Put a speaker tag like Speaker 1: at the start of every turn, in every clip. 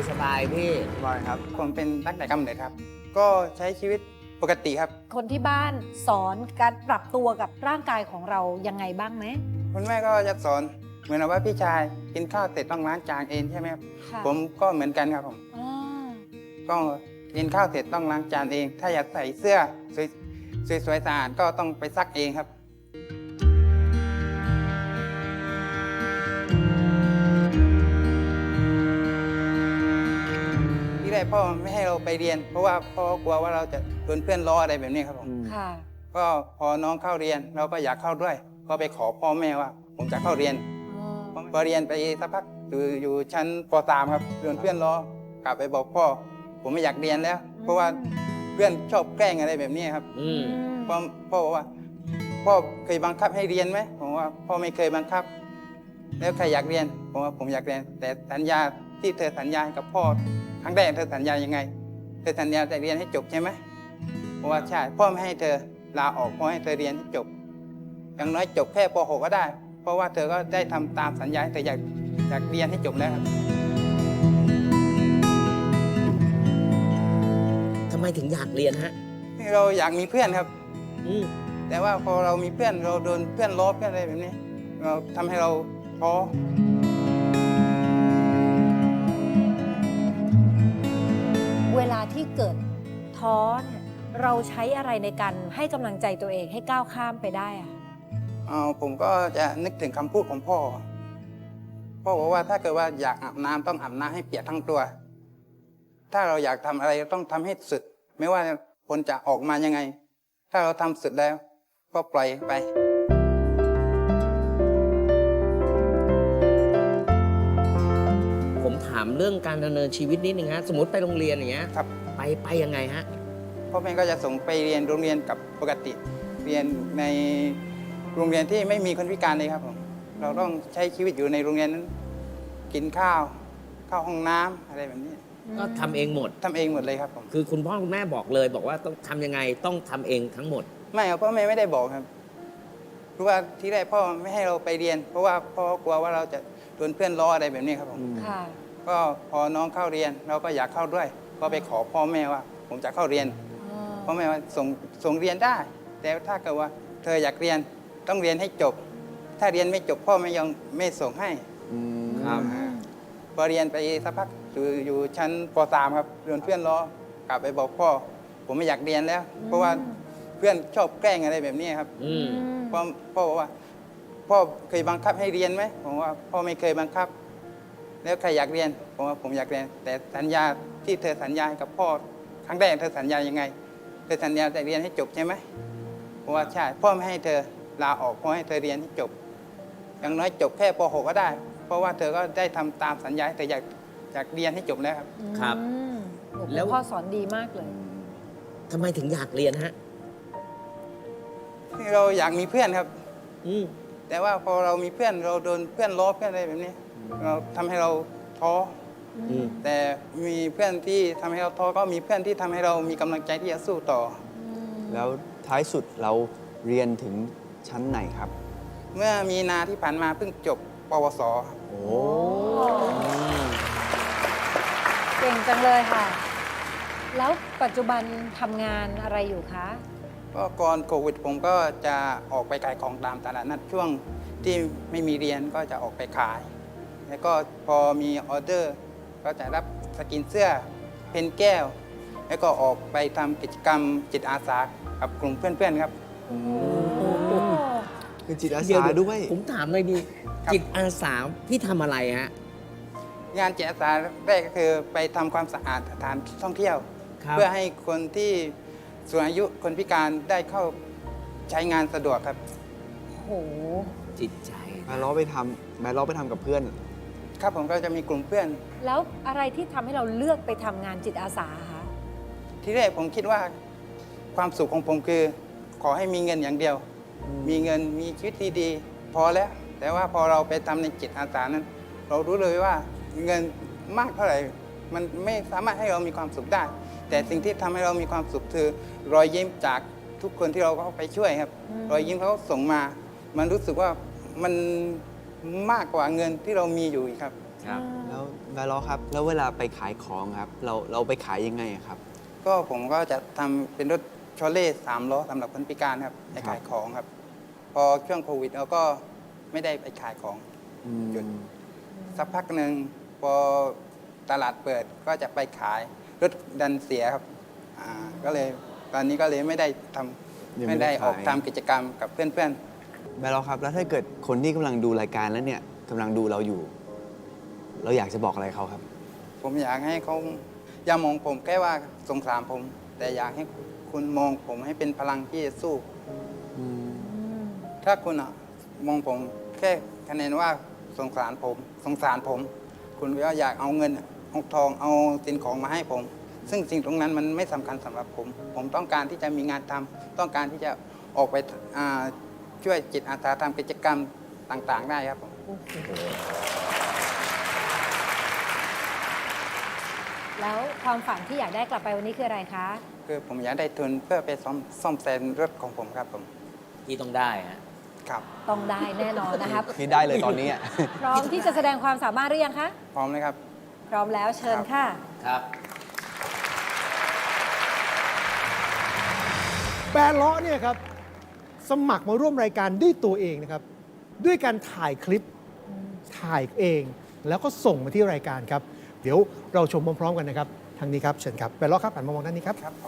Speaker 1: สบายพี่
Speaker 2: บ่อยครับผมเป็นตั้งแต่กำเนิดครับ ก็ใช้ชีวิตปกติครับ
Speaker 3: คนที่บ้านสอนการปรับตัวกับร่างกายของเรายังไงบ้างไหม
Speaker 2: คุณแม่ก็จะสอนเหมือนว่าพี่ชายกินข้าวเสร็จต้องล้างจานเองใช่ไหมครับ
Speaker 3: ค่ะ
Speaker 2: ผมก็เหมือนกันครับผม
Speaker 3: อ่า
Speaker 2: ก็กินข้าวเสร็จต้องล้างจานเอง ถ้าอยากใส่เสื้อสวยๆสะอาดก็ต้องไปซักเองครับที่แรกพ่อไม่ให้เราไปเรียน เพราะว่าพ่อกลัวว่าเราจะโดนเพื่อนล้ออะไรแบบนี้ครับผม
Speaker 3: ค่ะ
Speaker 2: ก็พอน้องเข้าเรียนเราก็อยากเข้าด้วย ก็ไปขอพ่อแม่ว่า ผมจะเข้าเรียน พอเรียนไปสักพักอยู่ชั้นป .3 ครับโดนเพื่อนล้อกลับไปบอกพ่อ ผมไม่อยากเรียนแล้ว เพราะว่าเพื่อนชอบแกล้งอะไรแบบนี้ครับ พ่อบอกว่าพ่อเคยบังคับให้เรียนไหมผมว่าพ่อไม่เคยบังคับ แล้วใครอยากเรียนผมว่าผมอยากเรียน แต่สัญญาที่เธอสัญญากับพ่อครั้งแรกเธอสัญญายังไงเธอสัญญาจะเรียนให้จบใช่ไหมผมว่าใช่พ่อไม่ให้เธอลาออกพ่อให้เธอเรียนให้จบอย่างน้อยจบแค่ป .6 ก็ได้ เพราะว่าเธอก็ได้ทำตามสัญญาเธออยากเรียนให้จบแล้วครับ
Speaker 1: ทำไมถึงอยากเรียนฮะ
Speaker 2: เราอยากมีเพื่อนครับ
Speaker 1: อืม
Speaker 2: แต่ว่าพอเรามีเพื่อนเราโดนเพื่อนล้อเพื่อนอะไรแบบนี้ เราทำให้เราท้อ
Speaker 3: เวลาที่เกิดท้อเนี่ยเราใช้อะไรในการให้กำลังใจตัวเองให้ก้าวข้ามไปได้อะ
Speaker 2: ผมก็จะนึกถึงคำพูดของพ่อ พ่อบอกว่าถ้าเกิดว่าอยากอาบน้ำต้องอาบน้ำให้เปียกทั้งตัว ถ้าเราอยากทำอะไรต้องทำให้สุด ไม่ว่าผลจะออกมายังไง ถ้าเราทำสุดแล้ว ก็ปล่อยไป
Speaker 1: ผมถามเรื่องการดำเนินชีวิตนิดนึงฮะ สมมติไปโรงเรียนอย่างเงี้ย
Speaker 2: ครับ
Speaker 1: ไปยังไงฮะ
Speaker 2: พ่อแม่ก็จะส่งไปเรียนโรงเรียนกับปกติ เรียนในโรงเรียนที่ไม่มีคนพิการเลยครับผม เราต้องใช้ชีวิตอยู่ในโรงเรียนนั้น กินข้าว เข้าห้องน้ำอะไรแบบนี้
Speaker 1: ก็ทำเองหมด
Speaker 2: ทำเองหมดเลยครับผม
Speaker 1: คือคุณพ่อคุณแม่บอกเลยบอกว่าต้องทำยังไงต้องทำเองทั้งหมด
Speaker 2: ไม่ครับพ่อแม่ไม่ได้บอกครับเพราะว่าที่แรกพ่อไม่ให้เราไปเรียน เพราะว่าพ่อกลัวว่าเราจะโดนเพื่อนล้ออะไรแบบนี้ครับผม
Speaker 3: ค่ะ
Speaker 2: ก็พอน้องเข้าเรียนเราก็อยากเข้าด้วย ก็ไปขอพ่อแม่ว่า ผมจะเข้าเรียน พ่อแม่ว่าส่งเรียนได้ แต่ถ้าเกิดว่าเธออยากเรียนต้องเรียนให้จบ ถ้าเรียนไม่จบพ่อไม่ส่งให้
Speaker 1: ครับ
Speaker 2: พอเรียนไปสักพักอยู่ชั้นป .3 ครับโดนเพื่อนล้อกลับไปบอกพ่อ ผมไม่อยากเรียนแล้ว เพราะว่าเพื่อนชอบแกล้งอะไรแบบนี้ครับ
Speaker 1: อืม
Speaker 2: พ่อบอกว่าพ่อเคยบังคับให้เรียนไหมผมว่าพ่อไม่เคยบังคับ แล้วใครอยากเรียนผมว่าผมอยากเรียน แต่สัญญาที่เธอสัญญากับพ่อครั้งแรกเธอสัญญายังไงเธอสัญญาจะเรียนให้จบใช่ไหมผมว่าใช่พ่อไม่ให้เธอลาออกพ่อให้เธอเรียนให้จบอย่างน้อยจบแค่ป .6 ก็ได้ เพราะว่าเธอก็ได้ทำตามสัญญาเธออยากเรียนให้จบแล้วครับ
Speaker 1: ครับ
Speaker 3: โอ้โห
Speaker 1: แล้ว
Speaker 3: พ่อสอนดีมากเลย
Speaker 1: ทำไมถึงอยากเรียนฮะ
Speaker 2: เราอยากมีเพื่อนครับ
Speaker 1: อืม
Speaker 2: แต่ว่าพอเรามีเพื่อนเราโดนเพื่อนล้อเพื่อนอะไรแบบนี้ เราทำให้เราท้อ
Speaker 1: อืม
Speaker 2: แต่มีเพื่อนที่ทำให้เราท้อก็มีเพื่อนที่ทำให้เรามีกำลังใจที่จะสู้ต่อ
Speaker 4: แล้วท้ายสุดเราเรียนถึงชั้นไหนครับ
Speaker 2: เมื่อมีนาที่ผ่านมาเพิ่งจบปวสครับ
Speaker 4: โอ้
Speaker 3: เก่งจังเลยค่ะ แล้วปัจจุบันทำงานอะไรอยู่คะ
Speaker 2: ก็ก่อนโควิดผมก็จะออกไปขายของตามตลาดนัดช่วงที่ไม่มีเรียนก็จะออกไปขาย แล้วก็พอมีออเดอร์ ก็จะรับสกินเสื้อเพนแก้ว แล้วก็ออกไปทำกิจกรรมจิตอาสากับกลุ่มเพื่อนๆครับ
Speaker 4: คือจิตอา
Speaker 1: เดี๋
Speaker 4: สา
Speaker 1: ยว
Speaker 4: ด้วย
Speaker 1: ผมถามเลยดี
Speaker 2: ครับ
Speaker 1: จิตอาสาพี่ทำอะไรฮะ
Speaker 2: งานจิตอาสาแรกก็คือไปทำความสะอาดสถานท่องเที่ยว
Speaker 1: ครับ
Speaker 2: เพื่อให้คนที่สูงอายุคนพิการได้เข้าใช้งานสะดวกครับ
Speaker 3: โอ้โห
Speaker 1: จิตใจ
Speaker 4: แม่ล้อไปทำกับเพื่อน
Speaker 2: ครับผมก็จะมีกลุ่มเพื่อน
Speaker 3: แล้วอะไรที่ทำให้เราเลือกไปทำงานจิตอาสาคะ
Speaker 2: ที่แรกผมคิดว่าความสุขของผมคือ ขอให้มีเงินอย่างเดียว มีเงินมีชีวิตดีๆพอแล้ว แต่ว่าพอเราไปทำในจิตอาสานั้น เรารู้เลยว่าเงินมากเท่าไหร่มันไม่สามารถให้เรามีความสุขได้ แต่สิ่งที่ทำให้เรามีความสุขคือรอยยิ้มจากทุกคนที่เราเข้าไปช่วยครับ รอยยิ้มเขาส่งมา มันรู้สึกว่ามันมากกว่าเงินที่เรามีอยู่อีกครับ
Speaker 1: คครับ
Speaker 4: แล้วแบร์ล็อกครับ แล้วเวลาไปขายของครับ เราไปขายยังไงอะครับ
Speaker 2: ก็ผมก็จะทำเป็นรถโชเล่3 ล้อสำหรับคนพิการครับไปขายของครับ พอช่วงโควิดเราก็ไม่ได้ไปขายของ หยุด สักพักหนึ่งพอตลาดเปิดก็จะไปขายรถดันเสียครับก็เลยตอนนี้ก็เลยไม่ได้ท
Speaker 4: ยัง
Speaker 2: ำ
Speaker 4: ไม่
Speaker 2: ไม่
Speaker 4: ได้
Speaker 2: ได้ออก
Speaker 4: ขาย
Speaker 2: ทำกิจกรรมกับเพื่อน
Speaker 4: แบร์ล็อกครับ แล้วถ้าเกิดคนที่กำลังดูรายการแล้วเนี่ยกำลังดูเราอยู่ เราอยากจะบอกอะไรเขาครับ
Speaker 2: ๆผมอยากให้เขาอย่ามองผมแค่ว่าสงสารผม แต่อยากให้คุณมองผมให้เป็นพลังที่จะสู้ ถ้าคุณมองผมแค่คะแนนว่าสงสารผม คุณก็อยากเอาเงินเอาทองเอาสินของมาให้ผม ซึ่งสิ่งตรงนั้นมันไม่สำคัญสำหรับผม ผมต้องการที่จะมีงานทำต้องการที่จะออกไปช่วยจิตอาสาทำกิจกรรมต่างๆ ได้ครับผม
Speaker 3: แล้วความฝันที่อยากได้กลับไปวันนี้คืออะไรคะ
Speaker 2: คือผมอยากได้ทุนเพื่อไปซ่อมแซมรถของผมครับผม
Speaker 1: ที่ต้องได้ฮะ
Speaker 2: ครับ
Speaker 3: ต้องได้แน่นอนนะครับ
Speaker 4: นี่ได้เลยตอนนี้อะ
Speaker 3: พร้อมที่จะแสดงความสามารถหรือยังคะ
Speaker 2: พร้อมเลยครับ
Speaker 3: พร้อมแล้วเชิญค่ะ
Speaker 1: ครับ
Speaker 5: แบร์เลาะเนี่ยครับสมัครมาร่วมรายการด้วยตัวเองนะครับ ด้วยการถ่ายคลิปถ่ายเอง แล้วก็ส่งมาที่รายการครับ เดี๋ยวเราชมพร้อมๆกันนะครับ ทางนี้ครับเชิญครับแบร์เลาะครับหันมามองด้านนี้ครับ
Speaker 2: ครับผม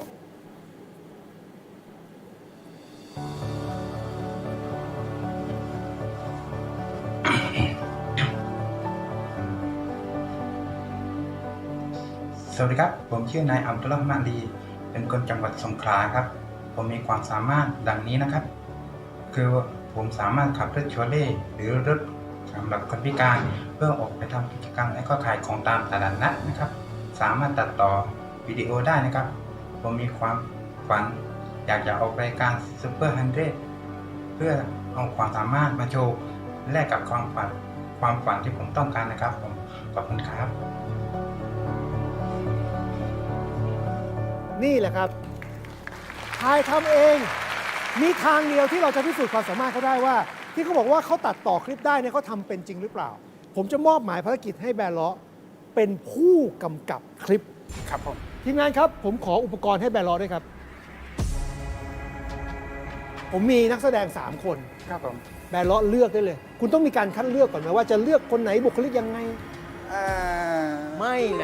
Speaker 6: สวัสดีครับ ผมชื่อนายอัมตุลลอฮ์มาลีเป็นคนจังหวัดสงขลาครับ ผมมีความสามารถดังนี้นะครับ คือผมสามารถขับรถโชเล่หรือรถสำหรับคนพิการเพื่อออกไปทำกิจกรรมและก็ขายของตามตลาดนัดนะครับ สามารถตัดต่อวิดีโอได้นะครับ ผมมีความฝันอยากจะออกรายการซูเปอร์ฮันเดรเพื่อเอาความสามารถมาโชว์แลกกับความฝันที่ผมต้องการนะครับผมขอบคุณครับ
Speaker 5: นี่แหละครับถ่ายทำเอง มีทางเดียวที่เราจะพิสูจน์ความสามารถเขาได้ว่า ที่เขาบอกว่าเขาตัดต่อคลิปได้เนี่ยเขาทำเป็นจริงหรือเปล่า ผมจะมอบหมายภารกิจให้แบร์เลาะเป็นผู้กำกับคลิป
Speaker 2: ครับผม
Speaker 5: ทีมงานครับ ผมขออุปกรณ์ให้แบร์เลาะด้วยครับ ผมมีนักแสดง 3 คน
Speaker 2: ครับผม
Speaker 5: แบร์เลาะเลือกได้เลย คุณต้องมีการคัดเลือกก่อนไหมว่าจะเลือกคนไหนบุคลิกยังไง
Speaker 1: ไม่นะ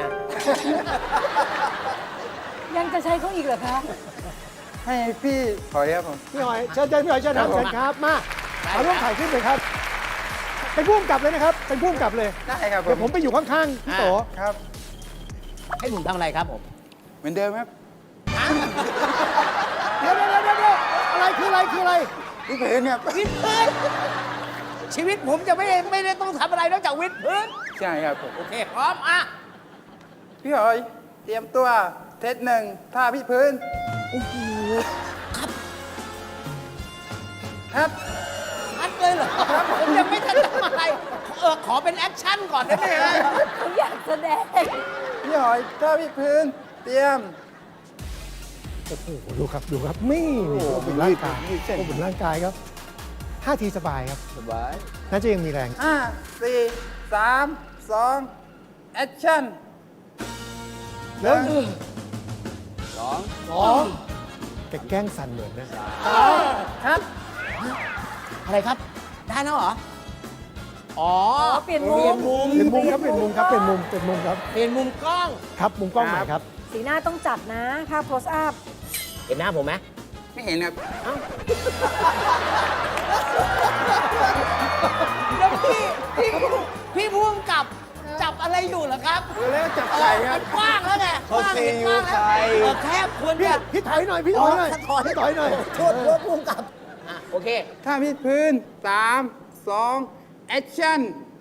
Speaker 3: ยังจะใช้เขาอีกเหรอคะ
Speaker 2: ให้พี่ถอยครับผม
Speaker 5: พี่หอยเชิญพี่หอยเชิญครับเชิญครับมา
Speaker 1: ได้
Speaker 5: เอาร่วมถ่ายคลิปเลยครับ เป็นผู้กำกับเลยนะครับ เป็นผู้กำกับเลย
Speaker 2: ได้ครับผ
Speaker 5: เดี๋ยว
Speaker 2: ม
Speaker 5: ผมไปอยู่ข้างๆพี่โต
Speaker 2: ครับ
Speaker 1: ให้ผมทำอะไรครับผม
Speaker 2: เหมือนเดิมครับ
Speaker 5: เดี๋ยวอะไรคืออะไร
Speaker 2: พี่เผืนครับ
Speaker 1: วิดพื้น ชีวิตผมจะไม่ได้ต้องทำอะไรนอกจากวิดพื้น
Speaker 2: ใช่ครับผม
Speaker 1: โอเค พร้อมอ่ะ
Speaker 2: พี่หอย เตรียมตัวเทสหนึ่งท่าพี่พื้น
Speaker 1: โอ้โห ครับ
Speaker 2: ครับ
Speaker 1: ชัดเลยเหรอผมยังไม่ทันทำอะไรขอเป็นแอคชั่นก่อนได้ไหมฮะ
Speaker 3: เขาอยากแสดง
Speaker 2: พี่หอยท่าพี่พื้น เตรียม
Speaker 5: โอ้โหดูครับนี่โอ้เป็นร่างกายโอ้เป็นร่างกายครับท่าทีสบายครับ
Speaker 4: สบาย
Speaker 5: น่าจะยังมีแรง
Speaker 2: 5 4 3 2 แอคชั่น
Speaker 5: แล้ว
Speaker 4: สอง
Speaker 5: แกแกล้งสั่นเหมือนนะ
Speaker 2: ครับ
Speaker 1: อะไรครับ ได้แล้วเหรอ อ๋อ
Speaker 3: เปลี่ยนมุม
Speaker 1: เปลี่ยนมุม
Speaker 5: เป็นมุมครับเป็นมุมครับเป็นมุมครับ
Speaker 1: เปลี่ยนมุมกล้อง
Speaker 5: ครับมุมกล้องใหม่ครับ
Speaker 3: สีหน้าต้องจัดนะถ้า close up
Speaker 1: เห็นหน้าผมไหม
Speaker 2: ไม่เห็นครับ
Speaker 1: แล้วพี่พุ่งกับจับอะไรอยู่เหรอครับ
Speaker 2: แล้วจับไก่ครับ
Speaker 1: กว้างแล้วไง
Speaker 4: เขาซีอิ๊วไก่
Speaker 1: แคบควร
Speaker 5: พี่
Speaker 1: จะ
Speaker 5: พี่ถอยหน่อยพี่ถอยหน่อยพี่ถอยหน่อย
Speaker 1: โทษพุ่งกับโอเค
Speaker 2: ท่าพี่พื้น 3 2 แอคชั่น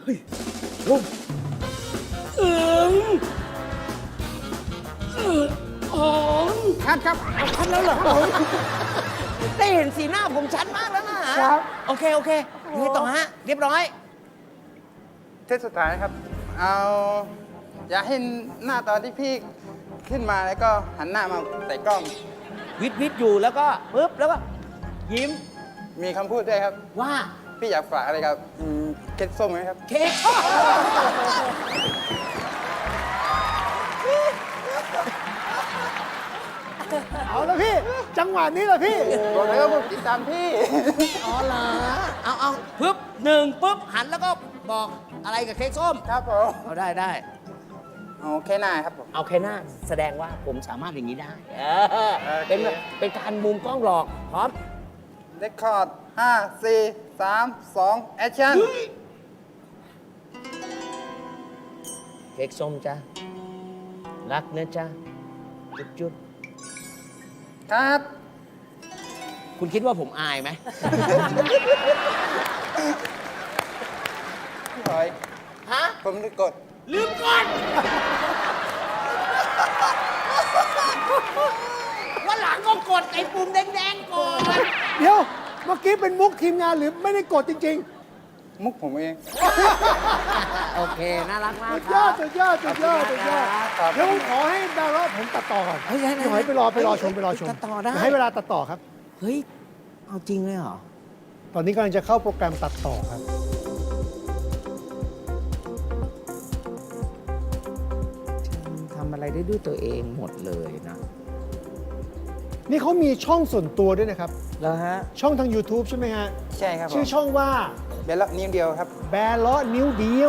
Speaker 2: คัดครับ
Speaker 1: ชัดแล้วเหรอได้เห็นสีหน้าผมชัดมากแล้วนะครับ โอเคนี่ต่อฮะ เรียบร้อย
Speaker 2: เทสสุดท้ายครับ เอาอย่าให้หน้าตอนที่พี่ขึ้นมาแล้วก็หันหน้ามาใส่กล้อง
Speaker 1: วิดอยู่แล้วก็ปึ๊บแล้วก็ยิ้ม
Speaker 2: มีคำพูดด้วยครับ
Speaker 1: ว่า
Speaker 2: พี่อยากฝากอะไรกับเค้กส้มไหมครับ
Speaker 1: เค้ก
Speaker 5: เอาละพี่ จังหวะนี้แหละพี่
Speaker 2: บอกเลยว่าผมติดตามพี่
Speaker 1: อ๋อเหรอเอาปึ๊บหนึ่งปึ๊บหันแล้วก็บอกอะไรกับเค้กส้ม
Speaker 2: ครับผม
Speaker 1: เอาได้
Speaker 2: เอาแค่หน้าครับผม
Speaker 1: เอาแค่หน้าแสดงว่าผมสามารถอย่างนี้ได้เป็นการมุมกล้องหลอกพร้อม
Speaker 2: เรคคอร์ด5 4 3 2 แอคชั่น
Speaker 1: เค้กส้มจ้ะรักนะจ๊ะจุ๊บ
Speaker 2: ครับ
Speaker 1: ๆคุณคิดว่าผมอายไหม
Speaker 2: พี่หอย
Speaker 1: ฮะ
Speaker 2: ผมได้กด
Speaker 1: ลืมก่อนวันหลังก็กดไอ้ปุ่มแดงๆก่อน
Speaker 5: เดี๋ยว เมื่อกี้เป็นมุกทีมงานหรือไม่ได้กดจริง
Speaker 2: มุกผมเอง
Speaker 1: โอเค น่ารัก
Speaker 5: ๆ
Speaker 1: มาก
Speaker 5: สุด
Speaker 1: ค
Speaker 5: ยอ
Speaker 1: รั
Speaker 5: ด
Speaker 1: บ
Speaker 5: สุดยอดสุดยอดสุดยอด
Speaker 2: ครับ
Speaker 5: เดี๋ยวผมขอให้ดาวน์โหลดผมตัดต่อก่อน
Speaker 1: เฮ้ยได้
Speaker 5: พี่หอยไปรอชม
Speaker 1: ตัดต่อได้
Speaker 5: เยวให้เวลาตัดต่อครับ
Speaker 1: เฮ้ย เอาจริงเลยเหรอ
Speaker 5: ตอนนี้กำลังจะเข้าโปรแกรมตัดต่อครับ
Speaker 1: ทำอะไรได้ด้วยตัวเองหมดเลยนะ
Speaker 5: นี่เขามีช่องส่วนตัวด้วยนะครับ
Speaker 1: แล้วฮะ
Speaker 5: ช่องทาง YouTube ใช่ไหมฮะ
Speaker 2: ใช่ครับผม
Speaker 5: ชื่อช่องว่า
Speaker 2: เบลล์นิ้วเดียวครับ
Speaker 5: แบร์เลาะนิ้วเดียว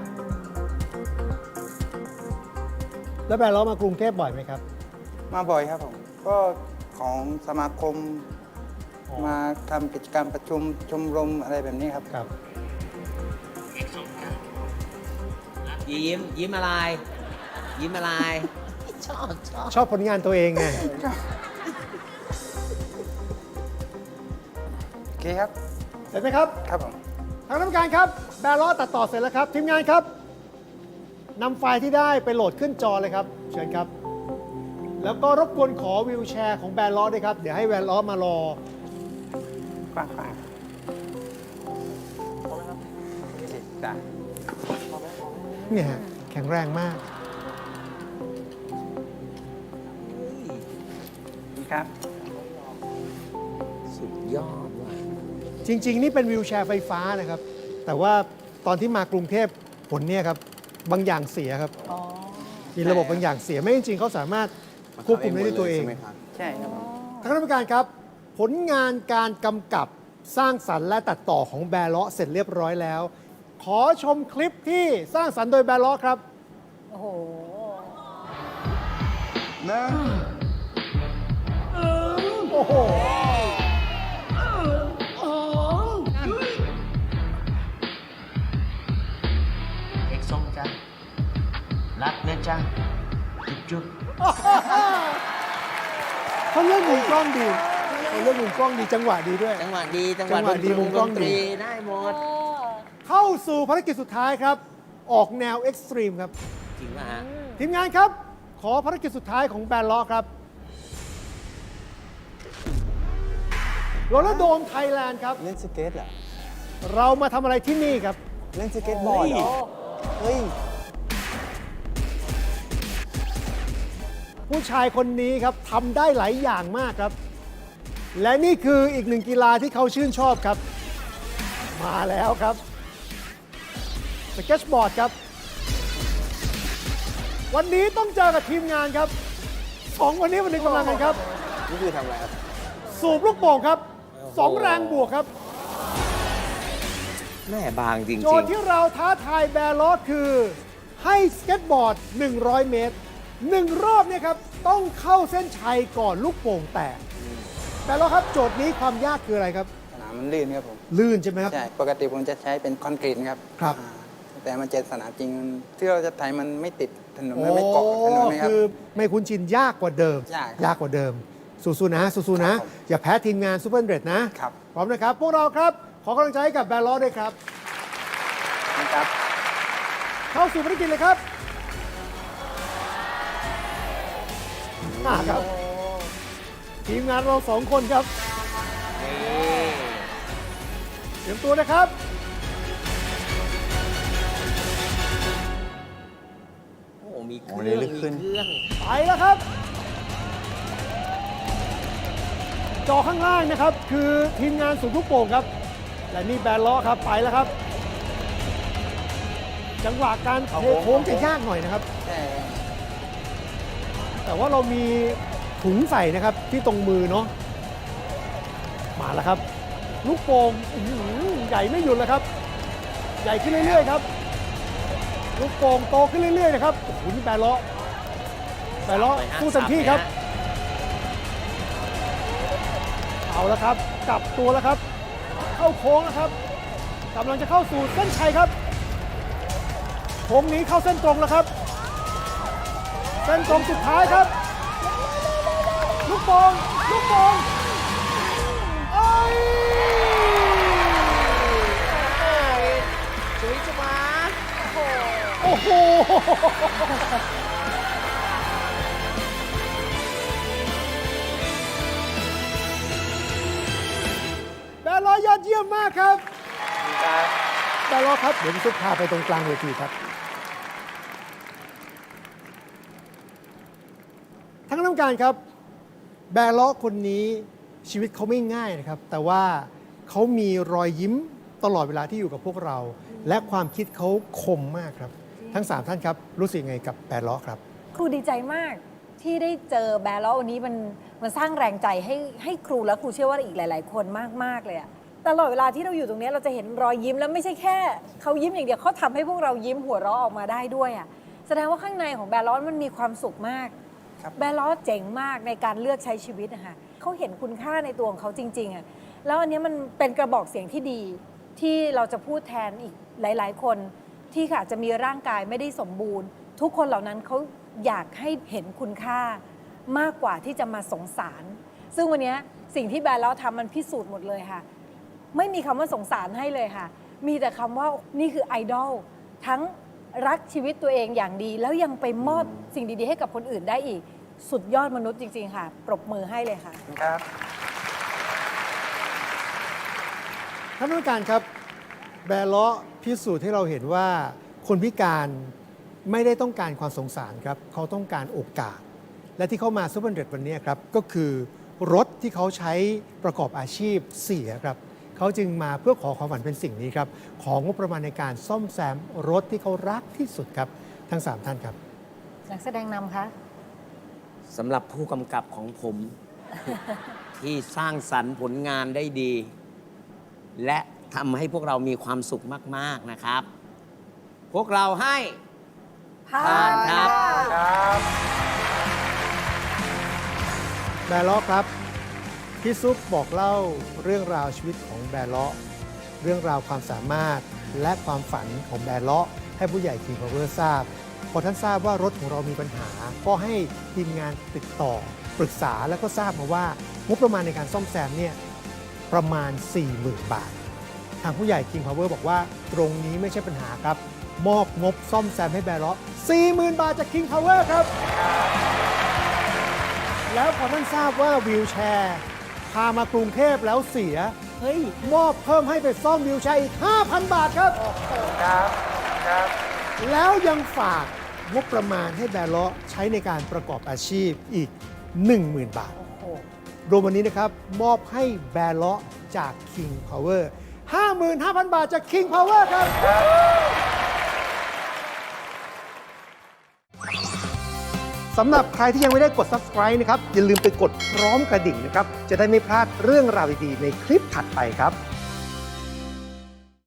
Speaker 5: แล้วแบร์เลาะมากรุงเทพบ่อยไหมครับ
Speaker 2: มาบ่อยครับผม ก็ของสมาคม มาทำกิจกรรมประชุมชมรมอะไรแบบนี้ครับ
Speaker 5: ครับ
Speaker 1: ยิ้มอะไร ยิ้มอะไร ชอบ
Speaker 5: ชอบผลงานตัวเองไง
Speaker 2: โอเคครับ
Speaker 5: เสร็จไหมครับ
Speaker 2: ครับผม
Speaker 5: ทางกรรมการครับ แบร์เลาะตัดต่อเสร็จแล้วครับ ทีมงานครับนำไฟล์ที่ได้ไปโหลดขึ้นจอเลยครับ เชิญครับ แล้วก็รบกวนขอวิวแชร์ของแบร์เลาะด้วยครับ เดี๋ยวให้แบร์เลาะมารอ
Speaker 2: กว้างๆโอเคได้
Speaker 5: เนี่ยฮะแข็งแรงมาก
Speaker 2: ครับ
Speaker 1: สุดยอดว่ะ
Speaker 5: จริง ๆ นี่เป็นวิวแชร์ไฟฟ้านะครับ แต่ว่าตอนที่มากรุงเทพผลเนี่ยครับ บางอย่างเสียครับ มีระบบบางอย่างเสีย ไม่จริงๆเขาสามารถควบคุมได้ด้วยตัวเอง
Speaker 4: ใช่ไหมครับ
Speaker 2: ใช่ครับผม
Speaker 5: ทางคณะกรรมการครับ ผลงานการกำกับสร้างสรรค์และตัดต่อของแบร์เลาะเสร็จเรียบร้อยแล้ว ขอชมคลิปที่สร้างสรรค์โดยแบร์เลาะครับ
Speaker 3: โอ้โห
Speaker 5: โอ้โห
Speaker 1: เค้กส้มจ้ะรักนะจ๊ะจุ๊บ
Speaker 5: เขาเลือกมุมกล้องดีเขาเลือกมุมกล้องดีจังหวะดีด้วย
Speaker 1: จังหวะดีจังห
Speaker 5: จั
Speaker 1: วะ
Speaker 5: งหวะดีมุมกล้องดี
Speaker 1: ได้หมด
Speaker 5: เข้าสู่ภารกิจสุดท้ายครับ ออกแนวเอ็กซ์ตรีมครับ
Speaker 1: จริงป่ะฮะ
Speaker 5: ทีมงานครับ ขอภารกิจสุดท้ายของแบรนด์ล้อครับโรลเลอร์โดมไทยแลนด์ครับ
Speaker 4: เล่นสเก็ตเหรอ
Speaker 5: เรามาทำอะไรที่นี่ครับ
Speaker 4: เล่นสเก็ตบอร์ดเหรอ เฮ้ย
Speaker 5: ผู้ชายคนนี้ครับทำได้หลายอย่างมากครับ และนี่คืออีกหนึ่งกีฬาที่เขาชื่นชอบครับ มาแล้วครับสเก็ตบอร์ดครับ วันนี้ต้องเจอกับทีมงานครับสองวันนี้วันนึงกำลังกันครับ
Speaker 4: นี่คือทำอะไรครับ
Speaker 5: สูบลูกโป่งครับสองแรงบวกครับ
Speaker 1: แม่บางจริง
Speaker 5: โจทย์ที่เราท้าทายแบร์ลอสคือ ให้สเก็ตบอร์ด 100 เมตร 1 รอบเนี่ยครับ ต้องเข้าเส้นชัยก่อนลูกโป่งแตกแบร์ลอสครับ โจทย์นี้ความยากคืออะไรครับ
Speaker 2: สนามมันลื่นครับผม
Speaker 5: ลื่นใช่ไหมครับ
Speaker 2: ใช่ ปกติผมจะใช้เป็นคอนกรีตครับ
Speaker 5: ครับ
Speaker 2: อ่าแต่มันเจอสนามจริงมันที่เราจะไถมันไม่ติดถนนมันไม่เกาะถนนนะครับ
Speaker 5: คือไม่คุ้นชินยากกว่าเดิม
Speaker 2: ยากครับ
Speaker 5: ยากกว่าเดิม สู้ๆนะสู้ๆนะ
Speaker 2: ครับผม
Speaker 5: อย่าแพ้ทีมงานซูเปอร์เดรดนะ
Speaker 2: ครับ
Speaker 5: พร้อมนะครับ พวกเราครับ ขอกำลังใจให้กับแบร์ลอสด้วยครับ
Speaker 2: นะครับ
Speaker 5: เข้าสู่ภารกิจเลยครับมาครับ ทีมงานเราสองคนครับ เตรียมตัวนะครับ
Speaker 1: โอ้โหมีเค
Speaker 4: โอ้
Speaker 1: รื่อง
Speaker 4: นี่ลึกขึ้น
Speaker 1: มีเครื่อง
Speaker 5: ไปแล้วครับ จอข้างล่างนะครับ คือทีมงานสูงลูกโป่งครับและนี่แบนล้อครับไปแล้วครับ จังหวะการเทโค้งจะยากหน่อยนะครับ แต่ว่าเรามีถุงใส่นะครับที่ตรงมือเนาะมาแล้วครับ ลูกโป่งใหญ่ไม่หยุดเลยครับ ใหญ่ขึ้นเรื่อยๆครับ ลูกโป่งโตขึ้นเรื่อยๆนะครับโอ้โหนี่แบนล้อสู้เต็มที่ครับ เอาแล้วครับกลับตัวแล้วครับ เข้าโค้งแล้วครับกำลังจะเข้าสู่เส้นชัยครับโค้งนี้เข้าเส้นตรงแล้วครับ เส้นตรงสุดท้ายครับ ลูกโป่งเอ้ย
Speaker 1: จุ๋ยจุ๋มา
Speaker 5: โอ้โหแบนล้อยอดเยี่ยมมากครับแบนล้อครับเดี๋ยวพี่ซุปพาไปตรงกลางเวทีครับทั้งน้ำการครับ แบร์ล้อคนนี้ชีวิตเขาไม่ง่ายนะครับ แต่ว่าเขามีรอยยิ้มตลอดเวลาที่อยู่กับพวกเรา และความคิดเขาคมมากครับ ทั้ง 3 ท่านครับ รู้สึกยังไงกับแบร์ล้อครับ
Speaker 3: ครูดีใจมากที่ได้เจอแบร์ล้อวันนี้มันสร้างแรงใจให้ครูและครูเชื่อว่าอีกหลาย ๆ คนมาก ๆ เลยอะตลอดเวลาที่เราอยู่ตรงนี้เราจะเห็นรอยยิ้มแล้วไม่ใช่แค่เขายิ้มอย่างเดียวเขาทำให้พวกเรายิ้มหัวเราะออกมาได้ด้วยอะแสดงว่าข้างในของแบร์ล้อมันมีความสุขมากแบร์ล้อเจ๋งมากในการเลือกใช้ชีวิตนะคะเขาเห็นคุณค่าในตัวของเขาจริง ๆอะแล้วอันนี้มันเป็นกระบอกเสียงที่ดีที่เราจะพูดแทนอีกหลาย ๆ คนที่อาจจะมีร่างกายไม่ได้สมบูรณ์ ทุกคนเหล่านั้นเขาอยากให้เห็นคุณค่ามากกว่าที่จะมาสงสาร ซึ่งวันนี้สิ่งที่แบร์ล้อทำมันพิสูจน์หมดเลยค่ะไม่มีคำว่าสงสารให้เลยค่ะมีแต่คำว่านี่คือไอดอลทั้งรักชีวิตตัวเองอย่างดี แล้วยังไปมอบสิ่งดีๆให้กับคนอื่นได้อีกสุดยอดมนุษย์จริงๆค่ะปรบมือให้เลยค่ะ
Speaker 2: ครับ
Speaker 5: ท่านผู้การครับ แบร์ล้อพิสูจน์ให้เราเห็นว่าคนพิการไม่ได้ต้องการความสงสารครับเขาต้องการโอกาส และที่เขามาซูเปอร์เดรดวันนี้ครับก็คือรถที่เขาใช้ประกอบอาชีพเสียครับเขาจึงมาเพื่อขอความฝันเป็นสิ่งนี้ครับของงบประมาณในการซ่อมแซมรถที่เขารักที่สุดครับทั้ง 3 ท่านครับ
Speaker 3: นักแสดงนำคะ
Speaker 1: สำหรับผู้กำกับของผม ที่สร้างสรรค์ผลงานได้ดี และทำให้พวกเรามีความสุขมาก ๆ นะครับ พวกเราให้
Speaker 3: ผ่า
Speaker 1: ผ่าน
Speaker 3: น
Speaker 1: ครับ
Speaker 5: แบร์ล้อครับพี่ซุปบอกเล่าเรื่องราวชีวิตของแบร์ล้อเรื่องราวความสามารถและความฝันของแบร์ล้อให้ผู้ใหญ่ King Power ทราบพอท่านทราบว่ารถของเรามีปัญหาก็ให้ทีมงานติดต่อปรึกษาแล้วก็ทราบมาว่างบประมาณในการซ่อมแซมเนี่ยประมาณ 40,000 บาท ทางผู้ใหญ่ King Power บอกว่าตรงนี้ไม่ใช่ปัญหาครับมอบงบซ่อมแซมให้แบร์ล้อ 40,000 บาทจาก King Power ครับแล้วพอท่านทราบว่าวีลแชร์พามากรุงเทพแล้วเสียเฮ้ยมอบเพิ่มให้ไปซ่อมวีลแชร์อีก 5,000 บาทครับแล้วยังฝากงบประมาณให้แบร์ล้อใช้ในการประกอบอาชีพอีก 10,000 บาทรวมวันนี้นะครับมอบให้แบร์ล้อจาก King Power 55,000 บาทจาก King Power ครับสำหรับใครที่ยังไม่ได้กด subscribe นะครับอย่าลืมไปกดพร้อมกระดิ่งนะครับจะได้ไม่พลาดเรื่องราวดีๆในคลิปถัดไปครับ